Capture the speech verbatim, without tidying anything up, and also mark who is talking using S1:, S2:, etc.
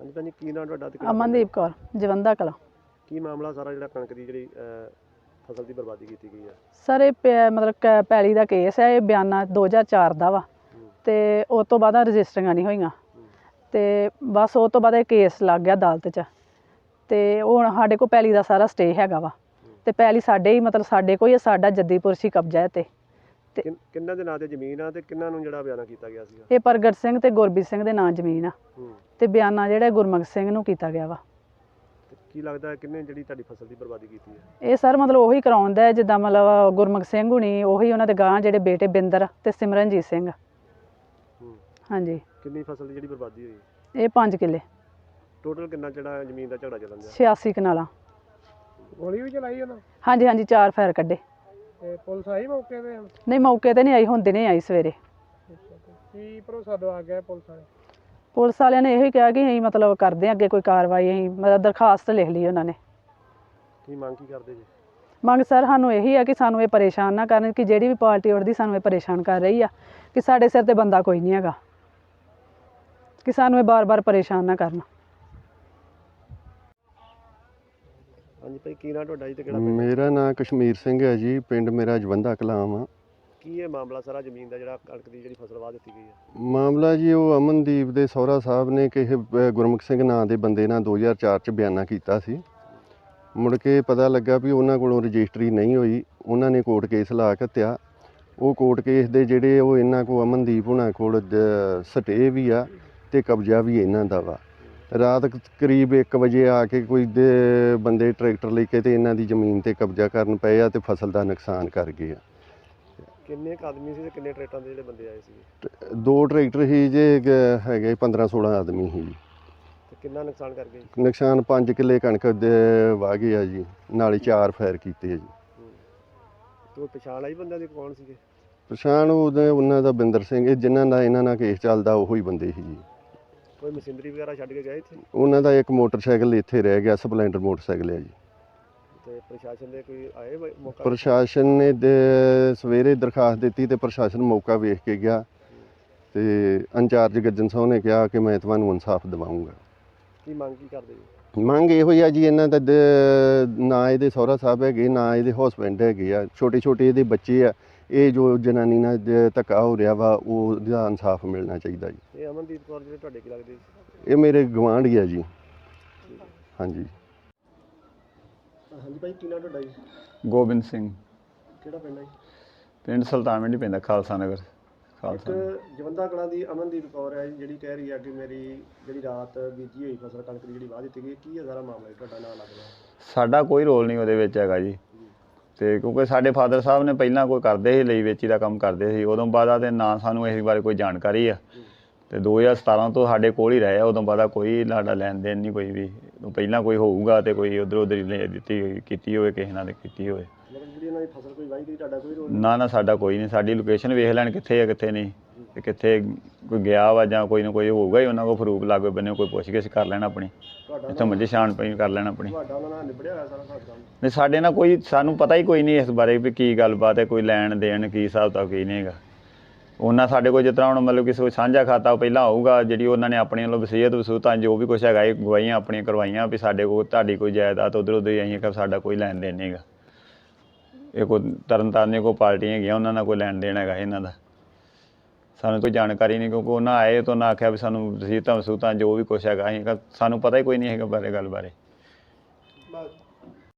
S1: हाँ जी भैन जी, की नाम तुहाडा ते
S2: अमनदीप कौर जवंदा कला।
S1: की मामला सारा जिहड़ा कणक दी जिहड़ी फसल की बर्बादी की गई है?
S2: सर ये मतलब पैली का केस है, ये बयाना दो हज़ार चार का वा ते उस तो बाद रजिस्टरियां नहीं होईयां ते बस उस तो बाद केस लग गया अदालत च ते हुण साडे कोल पैली का सारा स्टे हैगा वा ते पैली साडे ही मतलब साडे कोल ही साडा जद्दीपुरशी कब्जा है ते
S1: किन किन्ना दे नां ते जमीन आ ते किन्ना नूं जिहड़ा बयाना कीता गया सीगा?
S2: ये प्रगट सिंह ते गुरबीर सिंह दे नां जमीन आ ते बयाना जिहड़ा गुरमुख सिंह नूं कीता गया वा।
S1: की लगदा है किन्ने जिहड़ी तुहाडी फसल की बर्बादी कीती है?
S2: ये सर मतलब ਉਹੀ ਕਰਾਉਂਦਾ ਹੈ ਜਿੱਦਾਂ ਮਤਲਬ ਗੁਰਮੁਖ ਸਿੰਘ ਹੁਣੀ ਉਹੀ ਉਹਨਾਂ ਦੇ ਗਾਂ ਜਿਹੜੇ ਬੇਟੇ ਬਿੰਦਰ ਤੇ ਸਿਮਰਨਜੀਤ ਸਿੰਘ। ਹਾਂਜੀ।
S1: ਕਿੰਨੀ ਫਸਲ ਦੀ ਜਿਹੜੀ ਬਰਬਾਦੀ ਹੋਈ?
S2: ਇਹ ਪੰਜ ਕਿੱਲੇ।
S1: ਟੋਟਲ ਕਿੰਨਾ ਜਿਹੜਾ ਜ਼ਮੀਨ ਦਾ ਝਗੜਾ ਚੱਲਣ ਦਿਆ?
S2: ਛਿਆਸੀ ਕਨਾਲਾਂ।
S1: ਗੋਲੀ ਵੀ ਚਲਾਈ ਉਹਨਾਂ?
S2: ਹਾਂਜੀ ਹਾਂਜੀ, ਚਾਰ ਫਾਇਰ ਕੱਢੇ।
S1: ਤੇ ਪੁਲਿਸ ਆਈ ਮੌਕੇ ਤੇ?
S2: ਨਹੀਂ ਮੌਕੇ ਤੇ ਨਹੀਂ ਆਈ, ਹੁਣ ਦਿਨੇ ਆਈ ਸਵੇਰੇ।
S1: ਕੀ ਭਰੋਸਾ ਦਵਾ ਗਿਆ ਪੁਲਿਸ ਵਾਲੇ?
S2: ਪੁਲਿਸ ਵਾਲਿਆਂ ਨੇ ਇਹੋ ਹੀ ਕਿਹਾ ਕਿ ਅਸੀਂ ਮਤਲਬ ਕਰਦੇ ਹਾਂ ਅੱਗੇ ਕੋਈ ਕਾਰਵਾਈ, ਅਸੀਂ ਮਤਲਬ ਦਰਖਾਸਤ ਲਿਖ ਲਈ ਉਹਨਾਂ ਨੇ।
S1: ਕੀ ਮੰਗ ਕੀ ਕਰਦੇ ਜੀ?
S2: ਮੰਗ ਸਰ ਸਾਨੂੰ ਇਹੀ ਆ ਕਿ ਸਾਨੂੰ ਇਹ ਪਰੇਸ਼ਾਨ ਨਾ ਕਰਨ, ਕਿ ਜਿਹੜੀ ਵੀ ਪਾਰਟੀ ਉੱਠਦੀ ਸਾਨੂੰ ਇਹ ਪਰੇਸ਼ਾਨ ਕਰ ਰਹੀ ਆ, ਕਿ ਸਾਡੇ ਸਿਰ ਤੇ ਬੰਦਾ ਕੋਈ ਨਹੀਂ ਹੈਗਾ, ਕਿ ਸਾਨੂੰ ਇਹ ਬਾਰ-ਬਾਰ ਪਰੇਸ਼ਾਨ ਨਾ ਕਰਨ।
S1: ਹਾਂਜੀ ਭਾਈ, ਕੀ ਨਾਂ ਤੁਹਾਡਾ ਜੀ ਤੇ ਕਿਹੜਾ ਪਿੰਡ?
S3: ਮੇਰਾ ਨਾਂ ਕਸ਼ਮੀਰ ਸਿੰਘ ਹੈ ਜੀ, ਪਿੰਡ ਮੇਰਾ ਜਵੰਦਾ ਕਲਾਮ ਆ।
S1: ਕੀ ਇਹ ਮਾਮਲਾ ਸਾਰਾ ਜ਼ਮੀਨ ਦਾ ਜਿਹੜਾ ਕਣਕ ਦੀ ਜਿਹੜੀ ਫਸਲ ਵਾਹ ਦਿੱਤੀ ਗਈ ਹੈ?
S3: ਮਾਮਲਾ ਜੀ ਉਹ ਅਮਨਦੀਪ ਦੇ ਸਹੁਰਾ ਸਾਹਿਬ ਨੇ ਕਿਸੇ ਗੁਰਮੁਖ ਸਿੰਘ ਨਾਂ ਦੇ ਬੰਦੇ ਨਾਲ ਦੋ ਹਜ਼ਾਰ ਚਾਰ ਚ ਬਿਆਨਾ ਕੀਤਾ ਸੀ। ਮੁੜ ਕੇ ਪਤਾ ਲੱਗਾ ਵੀ ਉਹਨਾਂ ਕੋਲੋਂ ਰਜਿਸਟਰੀ ਨਹੀਂ ਹੋਈ, ਉਹਨਾਂ ਨੇ ਕੋਰਟ ਕੇਸ ਲਾ ਘੱਤਿਆ। ਉਹ ਕੋਰਟ ਕੇਸ ਦੇ ਜਿਹੜੇ ਉਹ ਇਹਨਾਂ ਕੋਲ ਅਮਨਦੀਪ ਹੁਣਾਂ ਕੋਲ ਸਟੇ ਵੀ ਆ ਤੇ ਕਬਜ਼ਾ ਵੀ ਇਹਨਾਂ ਦਾ ਵਾ। ਰਾਤ ਕਰੀਬ ਇੱਕ ਵਜੇ ਆ ਕੇ ਕੋਈ ਦੇ ਬੰਦੇ ਟਰੈਕਟਰ ਲੈ ਕੇ ਤੇ ਇਹਨਾਂ ਦੀ ਜ਼ਮੀਨ ਤੇ ਕਬਜ਼ਾ ਕਰਨ ਪਏ ਆ ਤੇ ਫਸਲ ਦਾ ਨੁਕਸਾਨ ਕਰ ਗਏ ਆ।
S1: ਕਿੰਨੇ ਕੁ ਆਦਮੀ ਸੀ ਤੇ ਕਿੰਨੇ ਟਰੈਕਟਰਾਂ ਦੇ ਜਿਹੜੇ ਬੰਦੇ ਆਏ ਸੀ?
S3: ਦੋ ਟਰੈਕਟਰ ਸੀ ਜੇ ਹੈਗੇ ਪੰਦਰਾਂ ਸੋਲਾਂ ਆਦਮੀ ਸੀ।
S1: ਤੇ ਕਿੰਨਾ ਨੁਕਸਾਨ ਕਰ ਗਏ?
S3: ਨੁਕਸਾਨ ਪੰਜ ਕਿੱਲੇ ਕਣਕ ਦੇ ਵਾਹ ਗਏ ਆ ਜੀ, ਨਾਲੇ ਚਾਰ ਫਾਇਰ ਕੀਤੇ ਆ ਜੀ।
S1: ਤੇ ਪਛਾਣ ਆਈ ਬੰਦਿਆਂ ਦੀ ਕੌਣ ਸੀਗੇ?
S3: ਪਛਾਣ ਉਹਦੇ ਉਹਨਾਂ ਦਾ ਬਿੰਦਰ ਸਿੰਘ, ਜਿਨ੍ਹਾਂ ਦਾ ਇਹਨਾਂ ਨਾਲ ਕੇਸ ਚੱਲਦਾ ਉਹੀ ਬੰਦੇ ਸੀ ਜੀ।
S1: ਕੋਈ ਮਸ਼ੀਨਰੀ ਵਗੈਰਾ ਛੱਡ ਕੇ ਗਏ ਇੱਥੇ?
S3: ਉਹਨਾਂ ਦਾ ਇੱਕ ਮੋਟਰਸਾਈਕਲ ਇੱਥੇ ਰਹਿ ਗਿਆ, ਸਪਲੈਂਡਰ ਮੋਟਰਸਾਈਕਲ ਹੈ ਜੀ।
S1: ਤੇ ਪ੍ਰਸ਼ਾਸਨ ਦੇ ਕੋਈ ਆਏ ਮੌਕਾ?
S3: ਪ੍ਰਸ਼ਾਸਨ ਨੇ ਦੇ ਸਵੇਰੇ ਦਰਖਾਸਤ ਦਿੱਤੀ ਤੇ ਪ੍ਰਸ਼ਾਸਨ ਮੌਕਾ ਵੇਖ ਕੇ ਗਿਆ ਤੇ ਇੰਚਾਰਜ ਗੱਜਨ ਸਾਹਿਬ ਨੇ ਕਿਹਾ ਕਿ ਮੈਂ ਤੁਹਾਨੂੰ ਇਨਸਾਫ ਦਿਵਾਉਂਗਾ।
S1: ਕੀ ਮੰਗ ਕੀ ਕਰਦੇ ਜੀ?
S3: ਮੰਗ ਇਹੋ ਹੀ ਆ ਜੀ, ਇਹਨਾਂ ਦਾ ਨਾ ਇਹਦੇ ਸਹੁਰਾ ਸਾਹਿਬ ਹੈਗੇ, ਨਾ ਇਹਦੇ ਹਸਬੈਂਡ ਹੈਗੇ ਆ, ਛੋਟੇ ਛੋਟੇ ਇਹਦੇ ਬੱਚੇ ਆ। ਇਹ ਜੋ ਜਨਾਨੀ ਨਾਲ ਧੱਕਾ ਹੋ ਰਿਹਾ ਵਾ ਉਹਦਾ ਇਨਸਾਫ ਮਿਲਣਾ ਚਾਹੀਦਾ ਜੀ।
S1: ਇਹ ਅਮਨਦੀਪ ਕੌਰ ਜਿਹੜੇ ਤੁਹਾਡੇ ਕੀ ਲੱਗਦੇ?
S3: ਇਹ ਮੇਰੇ ਗਵਾਂਢੀ ਆ ਜੀ। ਹਾਂਜੀ।
S1: ਹਾਂਜੀ ਭਾਈ, ਕੀ ਨਾਮ ਤੁਹਾਡਾ ਜੀ?
S4: ਗੋਬਿੰਦ ਸਿੰਘ।
S1: ਕਿਹੜਾ ਪਿੰਡ ਹੈ?
S4: ਪਿੰਡ ਸੁਲਤਾਨਵਿੰਡੀ ਪੈਂਦਾ, ਖਾਲਸਾ ਨਗਰ। ਖਾਲਸਾ
S1: ਇੱਕ ਜਵੰਦਾ ਕਲਾਂ ਦੀ ਅਮਨਦੀਪ ਕੌਰ ਹੈ ਜਿਹੜੀ ਕਹਿ ਰਹੀ ਹੈ ਕਿ ਮੇਰੀ ਜਿਹੜੀ ਰਾਤ ਬੀਜੀ ਹੋਈ ਫਸਲ ਕਣਕ ਦੀ ਜਿਹੜੀ ਵਾਹ ਦਿੱਤੀ ਗਈ, ਕੀ ਹੈ ਸਾਰਾ ਮਾਮਲਾ? ਤੁਹਾਡਾ ਨਾਂ ਲੱਗਦਾ?
S4: ਸਾਡਾ ਕੋਈ ਰੋਲ ਨਹੀਂ ਉਹਦੇ ਵਿੱਚ ਹੈਗਾ ਜੀ। ਤੇ ਕਿਉਂਕਿ ਸਾਡੇ ਫਾਦਰ ਸਾਹਿਬ ਨੇ ਪਹਿਲਾਂ ਕੋਈ ਕਰਦੇ ਸੀ, ਲਈ ਵੇਚੀ ਦਾ ਕੰਮ ਕਰਦੇ ਸੀ, ਉਦੋਂ ਬਾਅਦ ਤੇ ਨਾ ਸਾਨੂੰ ਇਸ ਬਾਰੇ ਕੋਈ ਜਾਣਕਾਰੀ ਆ। ਤੇ ਦੋ ਹਜ਼ਾਰ ਸਤਾਰਾਂ ਤੋਂ ਸਾਡੇ ਕੋਲ ਹੀ ਰਹੇ ਆ, ਉਦੋਂ ਬਾਅਦ ਕੋਈ ਸਾਡਾ ਲੈਣ ਦੇਣ ਨਹੀਂ ਕੋਈ ਵੀ। ਪਹਿਲਾਂ ਕੋਈ ਹੋਊਗਾ ਤੇ ਕੋਈ ਉੱਧਰ ਉੱਧਰ ਹੀ ਲੈ ਦਿੱਤੀ ਹੋਈ ਕੀਤੀ ਹੋਵੇ, ਕਿਸੇ ਨਾਲ ਕੀਤੀ ਹੋਵੇ।
S1: ਜਿਹੜੀ ਇਹਨਾਂ ਦੀ ਫਸਲ ਕੋਈ ਵਾਹੀ ਗਈ, ਤੁਹਾਡਾ ਕੋਈ ਰੋਲ?
S4: ਨਾ ਨਾ, ਸਾਡਾ ਕੋਈ ਨਹੀਂ। ਸਾਡੀ ਲੋਕੇਸ਼ਨ ਵੇਖ ਲੈਣ ਕਿੱਥੇ ਆ ਕਿੱਥੇ ਨਹੀਂ, ਤੇ ਕਿੱਥੇ ਕੋਈ ਗਿਆ ਵਾ ਜਾਂ ਕੋਈ ਨਾ ਕੋਈ ਹੋਊਗਾ ਹੀ, ਉਹਨਾਂ ਕੋਲ ਫਰੂਕ ਲਾਗੇ ਬੰਨੇ ਕੋਈ ਪੁੱਛ ਗਿੱਛ ਕਰ ਲੈਣ ਆਪਣੀ, ਇੱਥੋਂ ਮੱਝੇ ਛਾਣ ਪਈ ਕਰ ਲੈਣ ਆਪਣੀ।
S1: ਤੁਹਾਡਾ ਉਹਨਾਂ ਨਾਲ ਨਿਬੜਿਆ ਹੋਇਆ ਸਾਰਾ ਕੰਮ?
S4: ਨਹੀਂ, ਸਾਡੇ ਨਾਲ ਕੋਈ, ਸਾਨੂੰ ਪਤਾ ਹੀ ਕੋਈ ਨਹੀਂ ਇਸ ਬਾਰੇ ਵੀ ਕੀ ਗੱਲਬਾਤ ਹੈ, ਕੋਈ ਲੈਣ ਦੇਣ ਕੀ ਹਿਸਾਬ ਤਾਂ ਕੀ ਨਹੀਂ ਹੈਗਾ। ਉਹਨਾਂ ਸਾਡੇ ਕੋਲ ਜਿਸ ਤਰ੍ਹਾਂ ਹੁਣ ਮਤਲਬ ਕਿਸੇ ਕੋਈ ਸਾਂਝਾ ਖਾਤਾ ਪਹਿਲਾਂ ਹੋਊਗਾ, ਜਿਹੜੀ ਉਹਨਾਂ ਨੇ ਆਪਣੇ ਵੱਲੋਂ ਵਸੀਅਤ ਵਸੂਤਾਂ ਜੋ ਵੀ ਕੁਛ ਹੈਗਾ ਇਹ ਗਵਾਹੀਆਂ ਆਪਣੀਆਂ ਕਰਵਾਈਆਂ ਵੀ ਸਾਡੇ ਕੋਲ ਤੁਹਾਡੀ ਕੋਈ ਜਾਇਦਾਦ ਉੱਧਰ ਉੱਧਰ ਹੀ ਅਸੀਂ ਸਾਡਾ ਕੋਈ ਲੈਣ ਦੇਣ ਨਹੀਂ ਹੈਗਾ। ਇਹ ਕੋਈ ਤਰਨ ਤਾਰਨ ਕੋਈ ਪਾਰਟੀਆਂ ਹੈਗੀਆਂ, ਉਹਨਾਂ ਨਾਲ ਕੋਈ ਲੈਣ ਦੇਣ ਹੈਗਾ ਇਹਨਾਂ ਦਾ, ਸਾਨੂੰ ਕੋਈ ਜਾਣਕਾਰੀ ਨਹੀਂ। ਕਿਉਂਕਿ ਉਹਨਾਂ ਆਏ ਤਾਂ ਉਹਨਾਂ ਆਖਿਆ ਵੀ ਸਾਨੂੰ ਵਸੀਅਤਾਂ ਵਸੂਤਾਂ ਜੋ ਵੀ ਕੁਛ ਹੈਗਾ ਅਸੀਂ, ਸਾਨੂੰ ਪਤਾ ਹੀ ਕੋਈ ਨਹੀਂ ਹੈਗਾ ਬਾਰੇ ਗੱਲ ਬਾਰੇ।